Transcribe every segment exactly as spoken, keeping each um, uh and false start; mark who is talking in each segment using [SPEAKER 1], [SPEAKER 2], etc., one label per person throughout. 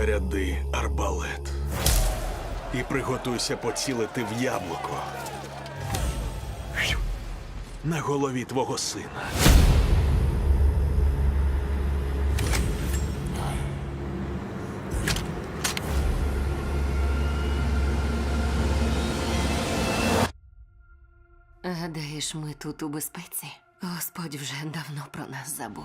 [SPEAKER 1] Заряди арбалет. І приготуйся поцілити в яблуко. На голові твого сина.
[SPEAKER 2] Гадаєш, ми тут у безпеці? Господь вже давно про нас забув.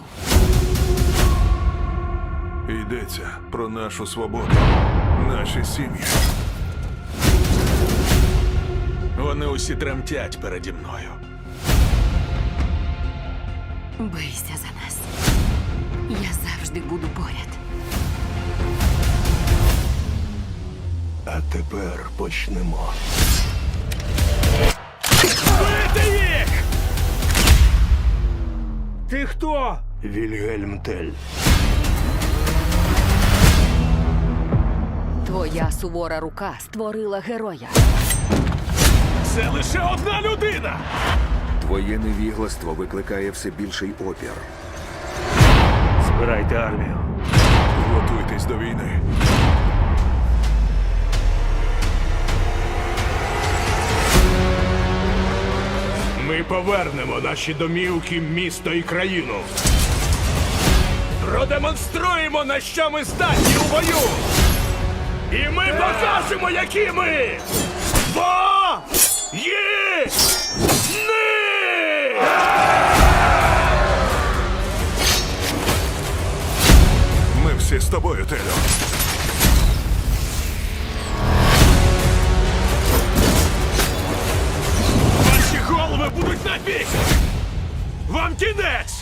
[SPEAKER 3] Йдеться про нашу свободу, наші сім'ї.
[SPEAKER 1] Вони усі тремтять переді мною.
[SPEAKER 2] Бийся за нас. Я завжди буду поряд.
[SPEAKER 4] А тепер почнемо.
[SPEAKER 1] Бити їх!
[SPEAKER 4] Ти хто? Вільгельм Тель.
[SPEAKER 2] Твоя сувора рука створила героя.
[SPEAKER 1] Це лише одна людина!
[SPEAKER 5] Твоє невігластво викликає все більший опір.
[SPEAKER 4] Збирайте армію.
[SPEAKER 3] Готуйтесь до війни.
[SPEAKER 4] Ми повернемо наші домівки, місто і країну. Продемонструємо, на що ми здатні у бою. І ми покажемо, які ми. Бо є ни!
[SPEAKER 3] Ми всі з тобою, Телю.
[SPEAKER 1] Ваші голови будуть на бік! Вам кінець!